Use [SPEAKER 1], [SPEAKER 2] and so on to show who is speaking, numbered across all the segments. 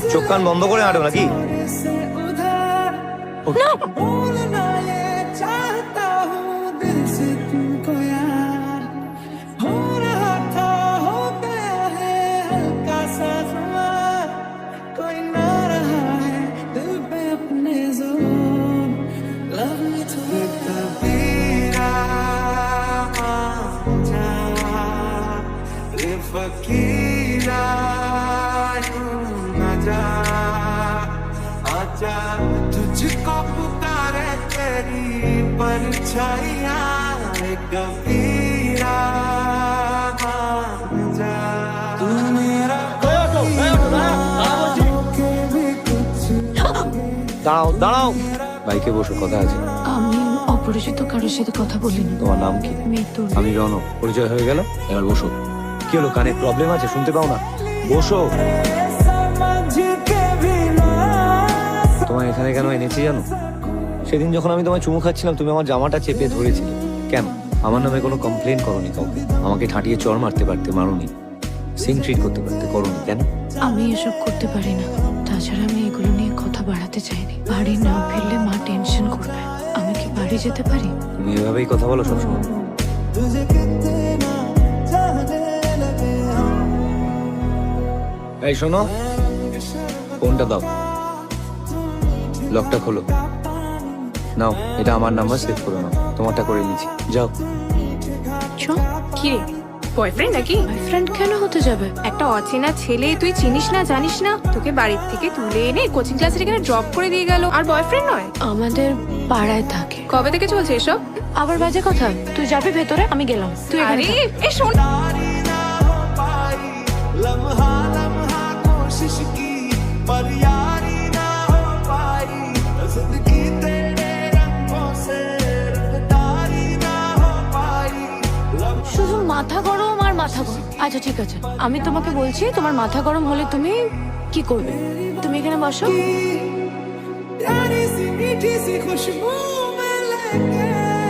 [SPEAKER 1] চোখ কান বন্ধ করে হাঁটো নাকি?
[SPEAKER 2] फकीरा न जा आजा तुझको पुकारे तेरी परछाइयां कबीरा जा तू मेरा
[SPEAKER 1] দাঁড়াও দাঁড়াও, বাইকে বসো, কথা আছে।
[SPEAKER 3] আমি অপরিচিত কারোর সাথে কথা বলিনি।
[SPEAKER 1] তোমার নাম কি?
[SPEAKER 3] মিতুল।
[SPEAKER 1] আমি রণ। পরিচয় হয়ে গেল, এবার বসো। কি হলো, কানে প্রবলেম আছে, শুনতে পাও না? বসো। তোমায় এখানে কেন এনেছি জানো? সেদিন যখন আমি তোমায় চুমু খাচ্ছিলাম, তুমি আমার জামাটা চেপে ধরেছিলে। কেন? আমার নামে কোনো কমপ্লেন করনি কাউকে? আমাকে ঠাঁটিয়ে চড় মারতে পারতে, মারোনি। সিং ট্রিট করতে পারতে, করোনি। কেন?
[SPEAKER 3] আমি এসব করতে পারি না। তাছাড়া আমি এগুলো নিয়ে কথা বাড়াতে চাইনি। বাড়ি না ফিরলে মা টেনশন করবে। আমি কি বাড়ি যেতে পারি?
[SPEAKER 1] তুমি এভাবেই কথা বলো সবসময়। এই শোনো, ফোনটা দাও, লকটা খোলো। নাও, এটা আমার নাম্বার, সেভ করে নাও। তোমারটা করে নিচ্ছি, যাও।
[SPEAKER 4] কি রে, বয়ফ্রেন্ড নাকি?
[SPEAKER 3] বয়ফ্রেন্ড কেন হতে যাবে?
[SPEAKER 4] একটা অচেনা ছেলে, তুই চিনিস না জানিস না, তোকে বাড়ির থেকে তুলে এনে কোচিং ক্লাসের এখানে ড্রপ করে দিয়ে গেল, আর বয়ফ্রেন্ড নয়?
[SPEAKER 3] আমাদের পাড়ায় থাকে।
[SPEAKER 4] কবে থেকে চলছে এসব?
[SPEAKER 3] আবার বাজে কথা। তুই যাবি ভেতরে, আমি গেলাম। তুই এখানে
[SPEAKER 4] আরে
[SPEAKER 3] থাক।
[SPEAKER 4] এ শোন,
[SPEAKER 2] लम्हा लम्हा कोशिश की पर यारी ना हो पाई जिंदगी तेरे रंगों से रंगदारी ना हो पाई
[SPEAKER 3] শুধু মাথা গরম আর মাথা গরম। আচ্ছা ঠিক আছে, আমি তোমাকে বলছি, তোমার মাথা গরম হলে তুমি কি করবে? তুমি এখানে বসো।
[SPEAKER 2] प्यारी सी मीठी सी खुशबू में लेके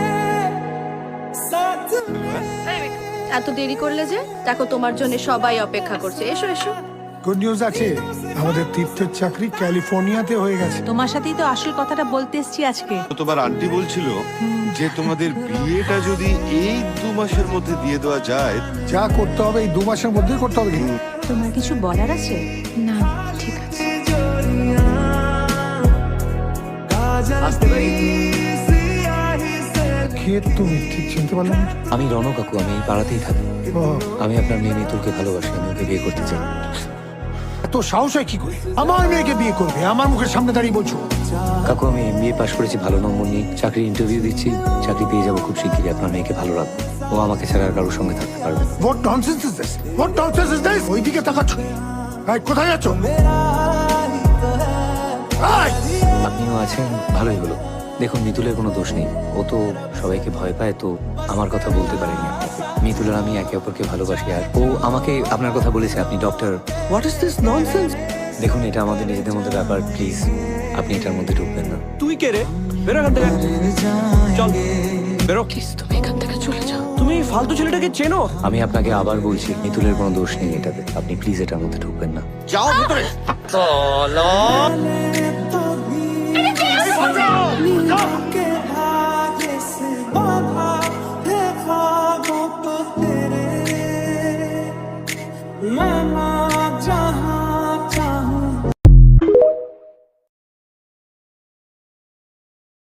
[SPEAKER 2] साथ
[SPEAKER 4] এত দেরি করলে যে? দেখো তোমার জন্য সবাই অপেক্ষা করছে, এসো এসো।
[SPEAKER 5] গুড নিউজ আছে, আমাদের তীর্থের চাকরি ক্যালিফোর্নিয়াতে হয়ে গেছে।
[SPEAKER 6] তোমার সাথেই তো আসল কথাটা বলতে এসেছি আজকে।
[SPEAKER 7] তোমার আন্টি বলছিল যে তোমাদের বিয়েটা যদি এই 2 মাসের মধ্যে দিয়ে দেওয়া যায়।
[SPEAKER 5] যা করতে হবে এই 2 মাসের মধ্যেই করতে হবে। কিন্তু
[SPEAKER 6] তোমার কিছু বলার আছে?
[SPEAKER 3] না ঠিক আছে।
[SPEAKER 1] আসতে পারি?
[SPEAKER 5] খেয়ে তুমি ঠিক চিনতে পারলাম না।
[SPEAKER 1] আমি রণ কাকু, আমি এই পাড়াতেই থাকি।
[SPEAKER 5] ও,
[SPEAKER 1] আমি আপনার মেয়ে মিতুলকে ভালোবাসি, আমি ওকে বিয়ে করতে চাই।
[SPEAKER 5] এত সাহস হয় কি করে আমার মেয়েকে বিয়ে করবে? আমার মুখের সামনে দাঁড়িয়ে বলছো?
[SPEAKER 1] কাকু, আমি এমবিএ পাশ করেছি, ভালো নম্বর নিয়ে চাকরির ইন্টারভিউ দিচ্ছি, চাকরি পেয়ে যাবো খুব শিগগিরই। আপনার মেয়েকে ভালো রাখবো, ও আমাকে ছাড়া আর কারোর সঙ্গে থাকতে পারবে না।
[SPEAKER 5] What nonsense is this? What nonsense is this? ওইদিকে তাকাচ্ছ? এই, কোথায় যাচ্ছ? এই!
[SPEAKER 1] আপনিও আছেন, ভালোই হলো। দেখুন, মিতুলের কোনো দোষ নেই, ও তো সবাইকে ভয় পায়, তো আমার কথা বলতে পারেনি আপনাকে। মিতুল আর আমি একে অপরকে ভালোবাসি, আর ও আমাকে আপনার কথা বলেছে, আপনি doctor. What is this nonsense? দেখুন, এটা আমাদের নিজেদের মধ্যে ব্যাপার, প্লিজ আপনি এটার মধ্যে ঢুকবেন না।
[SPEAKER 8] তুই কে রে? বেরো এখান থেকে, চল বেরো।
[SPEAKER 3] প্লিজ তুমি এখান থেকে চলে যাও।
[SPEAKER 8] তুমি ফালতু ছেলেটাকে চেনো?
[SPEAKER 1] আমি আপনাকে আবার বলছি, মিতুলের কোনো দোষ নেই এটাতে, আপনি প্লিজ এটার মধ্যে ঢুকবেন না।
[SPEAKER 8] যাও ভিতরে।
[SPEAKER 2] तो